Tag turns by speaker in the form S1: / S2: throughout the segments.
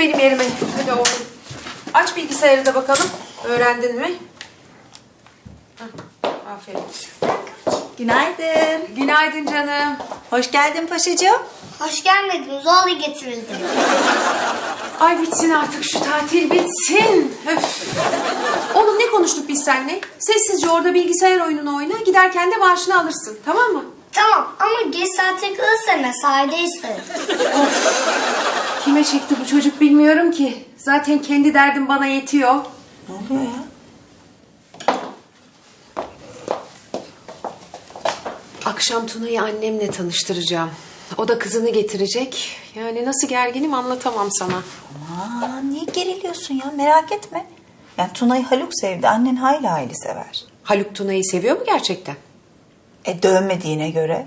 S1: benim yerime. Hadi oğlum. Aç bilgisayarı da bakalım. Öğrendin mi? Hah, aferin.
S2: Günaydın.
S1: Günaydın canım.
S2: Hoş geldin paşacığım.
S3: Hoş gelmedin. Zorla getirildim.
S1: Ay bitsin artık şu tatil bitsin. Öf. Oğlum ne konuştuk biz seninle? Sessizce orada bilgisayar oyununu oyna. Giderken de maaşını alırsın. Tamam mı?
S3: Tamam ama geç saate kalırsa mesaide isterim.
S1: Kime çekti bu çocuk bilmiyorum ki. Zaten kendi derdim bana yetiyor.
S2: Ne oluyor ya?
S1: Akşam Tuna'yı annemle tanıştıracağım. O da kızını getirecek. Yani nasıl gerginim anlatamam sana.
S2: Aman niye geriliyorsun ya, merak etme. Yani Tuna'yı Haluk sevdi, annen hayli hayli sever.
S1: Haluk Tuna'yı seviyor mu gerçekten?
S2: Dövmediğine göre.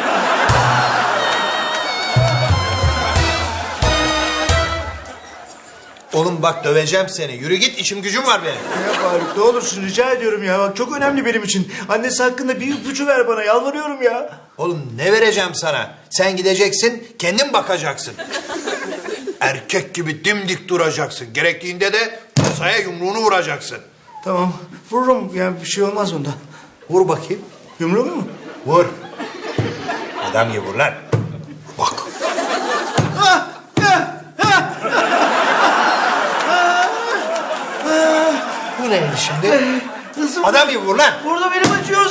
S4: Oğlum bak döveceğim seni. Yürü git, işim gücüm var benim.
S5: Ya Faruk ne olursun rica ediyorum ya. Bak çok önemli benim için. Annesi hakkında bir ipucu ver bana yalvarıyorum ya.
S4: Oğlum ne vereceğim sana? Sen gideceksin, kendin bakacaksın. Erkek gibi dimdik duracaksın. Gerektiğinde de masaya yumruğunu vuracaksın.
S5: Tamam vururum ya bir şey olmaz bunda.
S4: Vur bakayım.
S5: Yumruğu mu?
S4: Vur. Adam gibi vur lan. Bak. Bu neydi şimdi?
S5: Hızım.
S4: Adam gibi vur lan.
S5: Burada benim acıyor